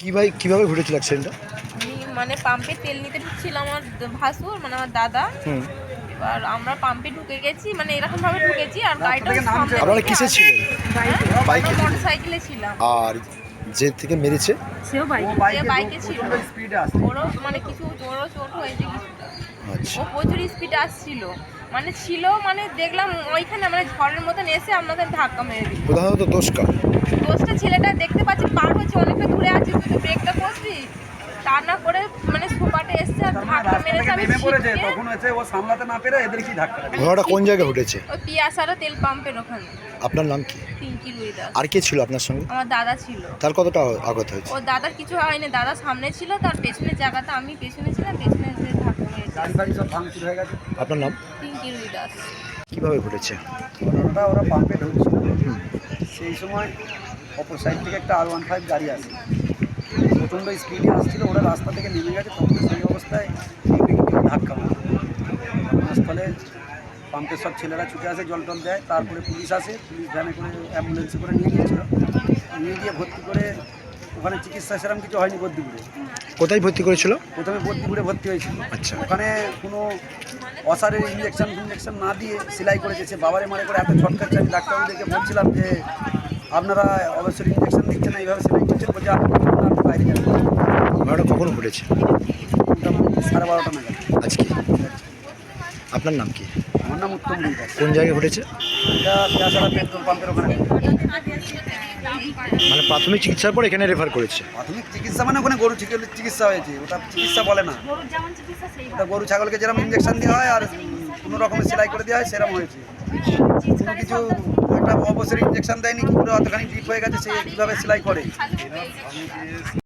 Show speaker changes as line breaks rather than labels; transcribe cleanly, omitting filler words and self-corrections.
কিভাবে ঘটেছিল অ্যাক্সিডেন্টটা?
আমি মানে পাম্পে তেল নিতে ঢুকছিলাম আমার ভাসুর মানে আমার দাদা। এবার আমরা পাম্পে ঢুকে গেছি মানে এরকম ভাবে ঢুকেছি আর গাড়িটা সামনে
আপনারা
থেকে
কিসে ছিলেন? বাইকে ছিলেন?
মোটরসাইকেলে ছিলাম।
আর যে থেকে মেরেছে
যে বাইকে ছিল ওরও মানে কিছু ওরও চোট হয়েছে কিছুটা।
আচ্ছা,
ও প্রচুর স্পিডে আসছিল মানে দেখলাম ওইখানে মানে ঝড়ের মতন এসে আমাদের ধাক্কা মেরে দিল।
প্রধানত দোষ কার?
দোষটা ছেলেটা দেখতে পাচ্ছি পার হচ্ছে অনেকটা দূরে আছি, তুই তো ব্রেকটা করবি তা না করে মানে সোপাটে এসছে আর ধাক্কা মেরেছে। আমি
ঘটনাটা কোন জায়গায় ঘটেছে?
ওই পিয়াসারা তেল পাম্পের ওখানে।
আপনার নাম কি?
পিঙ্কি রুইদাস।
আর কে ছিল আপনার সঙ্গে?
আমার দাদা ছিল।
তার কতটা আঘাত হয়েছে?
ও দাদার কিছু হয়নি, দাদা সামনে ছিল, তার পেছনের জায়গাটা আমি পেছনে ছিলাম, পেছনে যে ধাক্কা মেরেছে।
আপনার নাম?
পিঙ্কি রুইদাস।
কিভাবে ঘটেছে?
ঘটনাটা ওরা পাম্পে ঢুকছিল, সেই সময় অপর সাইড থেকে একটা R15 গাড়ি আসে, প্রচণ্ড স্পিডে আসছিল। ওরা রাস্তা থেকে নেমে গেছে, তখন সেই অবস্থায় ধাক্কা মারে। ঘটনাস্থলে পাম্পের সব ছেলেরা ছুটে আসে, জল টল দেয়, তারপরে পুলিশ আসে, পুলিশ ভ্যানে করে অ্যাম্বুলেন্সে করে নিয়ে গিয়েছিল। নিয়ে গিয়ে ভর্তি করে ওখানে চিকিৎসা সেরকম কিছু হয়নি বদ্যিপুরে।
কোথায় ভর্তি করেছিল?
প্রথমে বদ্যিপুরে ভর্তি হয়েছিল।
আচ্ছা,
ওখানে কোনো অসারের ইঞ্জেকশন না দিয়ে সেলাই করেছে। সে বাবারে মারে করে এত ছটকাচ্ছে, আমি ডাক্তারদেরকে বলছিলাম যে আপনারা অবশ্যই ইঞ্জেকশন দিচ্ছেন না, এইভাবে সেলাই করছেন। বলছে আপনি বাইরে যান।
ঘটনাটা কখন ঘটেছে?
মোটামুটি 12:30 নাগাদ।
আজকে। আপনার নাম কি?
আমার নাম উত্তম রুইদাস।
কোন জায়গায় ঘটেছে?
এটা পেয়াসারা পেট্রোল পাম্পের ওখানে।
মানে প্রাথমিক চিকিৎসার পর এখানে রেফার করেছে?
প্রাথমিক চিকিৎসা মানে ওখানে গরু চিকিৎসা হয়েছে, ওটা চিকিৎসা বলে না। ওটা গরু ছাগলকে যেরকম ইঞ্জেকশন দেওয়া হয় আর কোনো রকমের সেলাই করে দেওয়া হয় সেরকম হয়েছে। কোনো কিছু একটা অবসর ইঞ্জেকশন দেয়নি, কি করে অতখানি ডিপ হয়ে গেছে, সে কীভাবে সেলাই করে।